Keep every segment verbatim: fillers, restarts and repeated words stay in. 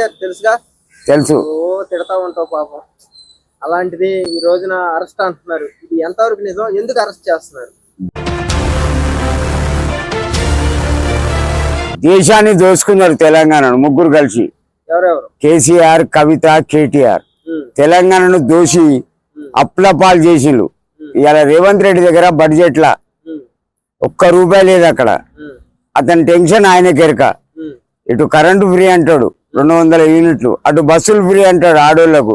తెలుసుగా తెలుసు. ఓ తిడతా ఉంటావు పాపం. అలాంటిది ఈ రోజున అరెస్ట్ అంటున్నారు. ఇది ఎంతవరకు నిజం? ఎందుకు అరెస్ట్ చేస్తున్నారు? దేశాన్ని దోచుకున్నారు తెలంగాణను ముగ్గురు కలిసి. ఎవరెవరు? కేసీఆర్, కవిత, కేటీఆర్. తెలంగాణను దోషి అప్లపాలు చేసిండు. ఇవాళ రేవంత్ రెడ్డి దగ్గర బడ్జెట్ లా ఒక్క రూపాయి లేదు అక్కడ. అతని టెన్షన్ ఆయనకి ఎరక. ఇటు కరెంటు ఫ్రీ అంటాడు రెండు వందల యూనిట్లు, అటు బస్సులు ఫ్రీ అంటాడు ఆడోళ్లకు,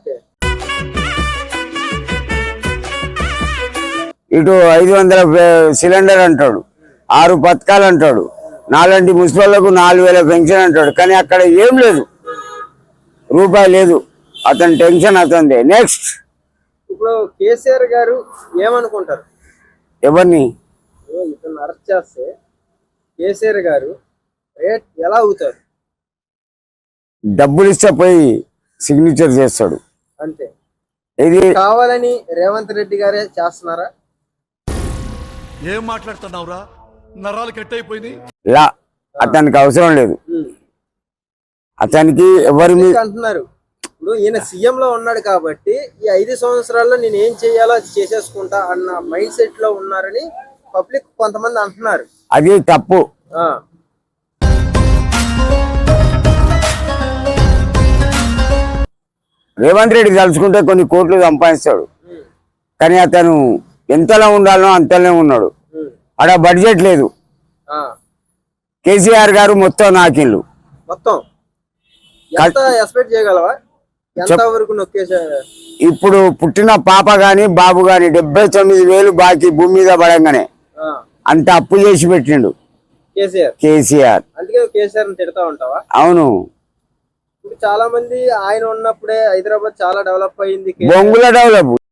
ఇటు ఐదు వందల సిలిండర్ అంటాడు, ఆరు పథకాలు అంటాడు, నాలుగు మున్సిపల్లకు నాలుగు వేల పెన్షన్ అంటాడు. కానీ అక్కడ ఏం లేదు, రూపాయి లేదు. అతని టెన్షన్ అతనిదే. నెక్స్ట్ ఇప్పుడు కేసీఆర్ గారు ఏమనుకుంటారు? ఎవరిని ఇతను అరెస్ట్ చేస్తే కేసీఆర్ గారు రేట్ ఎలా అవుతారు? డబ్బులు ఇస్తే పోయి సిగ్నేచర్ చేస్తాడు అంతే. ఇది కావాలని రేవంత్ రెడ్డి గారే చేస్తున్నారా? ఏం మాట్లాడుతున్నావురా? నరాలు కట్ అయిపోయింది. లా అతనికి అవసరం లేదు. అతనికి ఎవరి మీద అంటున్నారు. ఇప్పుడు ఈయన సీఎం లో ఉన్నాడు కాబట్టి ఈ ఐదు సంవత్సరాల్లో నేను ఏం చేయాలో అది చేసేసుకుంటా అన్న మైండ్ సెట్ లో ఉన్నారని పబ్లిక్ కొంతమంది అంటున్నారు. అది తప్పు. రేవంత్ రెడ్డి తలుచుకుంటే కొన్ని కోట్లు సంపాదిస్తాడు, కానీ అతను ఎంతలో ఉండాలో అంతలో ఉన్నాడు. అక్కడ బడ్జెట్ లేదు. కేసీఆర్ గారు మొత్తం నాకిళ్ళు మొత్తం ఎంత ఎక్స్పెక్ట్ చేయగలవా? ఎంత వరకు నొక్కేసారు? ఇప్పుడు పుట్టిన పాప గాని బాబు గాని డెబ్బై తొమ్మిది వేలు బాకీ భూమి మీద పడంగానే అంత అప్పు చేసి పెట్టిండు కేసీఆర్. కేసీఆర్ అందుకే కేసీఆర్ తిడతా ఉంటావా? అవును. ఇప్పుడు చాలా మంది ఆయన ఉన్నప్పుడే హైదరాబాద్ చాలా డెవలప్ అయింది. బొంగుల డెవలప్